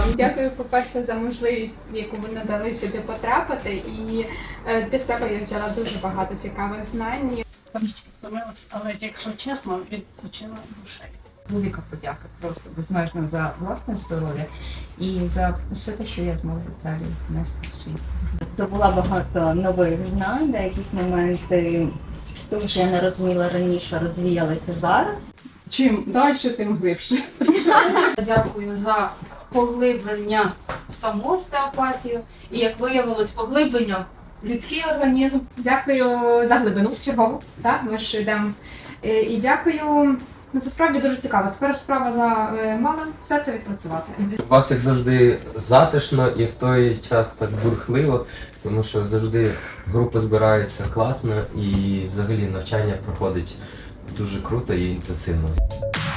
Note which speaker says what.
Speaker 1: Дякую, по-перше, за можливість, яку ви надали сюди потрапити. І для себе я взяла дуже багато цікавих знань.
Speaker 2: Трошки втомилась, але якщо чесно, відпочила душею.
Speaker 3: Велика подяка просто безмежно за власне здоров'я і за все те, що я зможу далі нести в світ.
Speaker 4: Здобула багато нових знань, де якісь моменти, тому що я не розуміла раніше, розвіялися зараз.
Speaker 5: Чим далі, тим глибше.
Speaker 6: Дякую за поглиблення в саму остеопатію і, як виявилось, поглиблення в людський організм.
Speaker 1: Дякую за глибину чергову. Так, ми ж йдемо. І дякую. Ну, це справді дуже цікаво. Тепер справа за малим все це відпрацювати.
Speaker 7: У вас як завжди затишно і в той час так бурхливо, тому що завжди група збирається класно і взагалі навчання проходить дуже круто і інтенсивно.